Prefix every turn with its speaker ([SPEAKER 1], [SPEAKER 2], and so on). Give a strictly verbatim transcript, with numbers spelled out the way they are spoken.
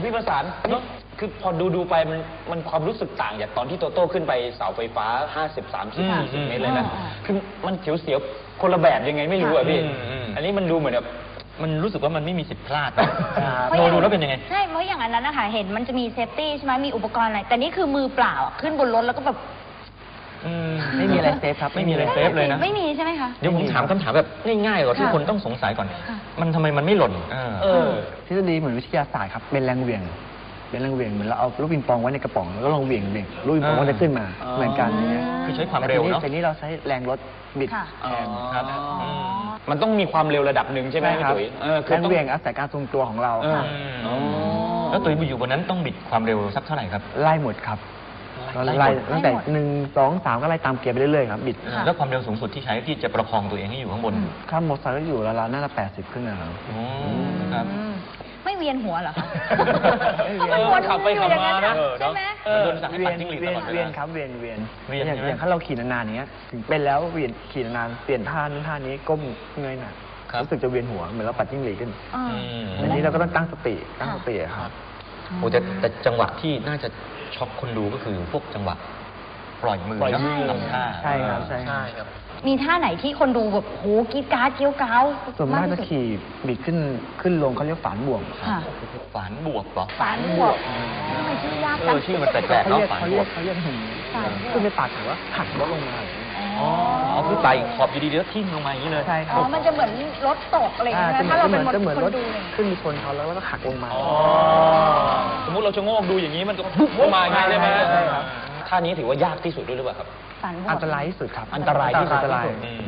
[SPEAKER 1] พี่ประสานนี่คือพอดูดูไปมันมันความรู้สึกต่างจากตอนที่โตโต้ขึ้นไปเสาไฟฟ้าห้าสิบ สามสิบ สี่สิบเมตรเลยนะคือมันเสียวๆคนละแบบยังไงไม่รู้อะพี่อันนี้มันดูเหมือนแบบ
[SPEAKER 2] มันรู้สึกว่ามันไม่มีสิทธิ์พลาดโน
[SPEAKER 3] ดู
[SPEAKER 2] ดูแล้วเป็นยังไง
[SPEAKER 3] ใช่เพราะอย่างนั้นนะคะเห็นมันจะมีเซฟตี้ใช่ไหมมีอุปกรณ์อะไรแต่นี่คือมือเปล่าขึ้นบนรถแล้วก็แบบ
[SPEAKER 4] ไม่มีอะไรเซฟครับ
[SPEAKER 2] ไม่มีอะไรเซฟเลยนะ
[SPEAKER 3] ไม่มีใช่ไหมคะ
[SPEAKER 2] เดี๋ยวผมถามคำถามแบบง่ายๆก่อนที่คนต้องสงสัยก่อนมันทำไมมันไม่หล่น
[SPEAKER 4] เออทฤษฎีเหมือนวิทยาศาสตร์ครับเป็นแรงเหวี่ยงเป็นแรงเหวี่ยงเหมือนเราเอาลูกปิงปองไว้ในกระป๋องแล้วก็ลองเหวี่ยงเหวี่ยงลูกปิงปองก็จะขึ้นมาเหมือนกันอย่างเงี้ย
[SPEAKER 2] คือใช้ความเร็วเนาะ
[SPEAKER 4] แต่นี้เราใช้แรงรถบิดแทน
[SPEAKER 1] ครับมันต้องมีความเร็วระดับหนึ่งใช่ไหมพี่ตุ๋ย
[SPEAKER 4] แรงเหวี่ยงอาศัยการทรงตัวของเรา
[SPEAKER 2] แล้วตุ๋ยอยู่บนนั้นต้องบิดความเร็วสักเท่าไหร่ครับ
[SPEAKER 4] ไล่หมดครับไล่ตั้งแต่หนึ่งสองสามก็ไล่ตามเกียร์ไปเรื่อยๆครับบิด
[SPEAKER 2] แล้วความเร็วสูงสุดที่ใช้ที่จะประคองตัวเองให้อยู่ข้างบน
[SPEAKER 4] ข้ามมอเตอร์ไซค์ก็อยู่แล้วน่าจะแปดสิบขึ้นนะครับ
[SPEAKER 2] ครับ
[SPEAKER 3] ไม่เวียนหัวเหรอคะ
[SPEAKER 1] ขับไปขับมานะ
[SPEAKER 3] ใช่ไหม
[SPEAKER 2] โดนสั่งให้ปัดจิ้งหรีดตลอดเวลา
[SPEAKER 4] เวียนครับเวียนเวียนอย่างอย่างถ้าเราขี่นานๆอย่างเงี้ยถึงเป็นแล้วเวียนขี่นานเปลี่ยนท่านู้นท่านี้ก้มเงยหน้ารู้สึกจะเวียนหัวเหมือนเราปัดจิ้งหรีดขึ้นอันนี้เราก็ต้องตั้งสติตั้งสติครับ
[SPEAKER 2] โอ้แต่แต่จังหวะที่น่าจะช็อกคนดูก็คือพวกจังหวะปล่อยมือนะทำท่า
[SPEAKER 4] ใช่ครับใช่
[SPEAKER 1] ครับ
[SPEAKER 3] มีท่าไหนที่คนดูแบบโหกีดการ์ดเกี้ยวก้าว
[SPEAKER 4] ส่วนมากจะขี่บิดขึ้นขึ้นลงเขาเรียกฝานบ่วง
[SPEAKER 2] ฝานบวกเหรอ
[SPEAKER 3] ฝานบวกทำไมชื่อยากจัง
[SPEAKER 2] ชื่อมันแปลกๆเนาะฝานบวก
[SPEAKER 4] เขาเรียกหินขึ้นไปปากถือว่าหักรถลงมา
[SPEAKER 2] อ๋อคือไต่ขอบดีๆแล้วทิ่มลงมาอย่างนี้เลย
[SPEAKER 4] ใช่ครับ
[SPEAKER 3] อ๋อมันจะเหมือนรถตกอะไรอย่างเงี้ยถ้าเราเป็นคนดู
[SPEAKER 4] ขึ้นมีชนเขาแล้วก็หักลงมา
[SPEAKER 1] สมมุติเราจะโงกดูอย่างนี้มันก็ปุ๊บลงมาอย่างนี้ใช่ไหมท่านี้ถือว่ายากที่สุดด้วยหรือเปล่าครับ
[SPEAKER 4] อันตรายที่สุดครับ
[SPEAKER 1] อันตรายที่สุด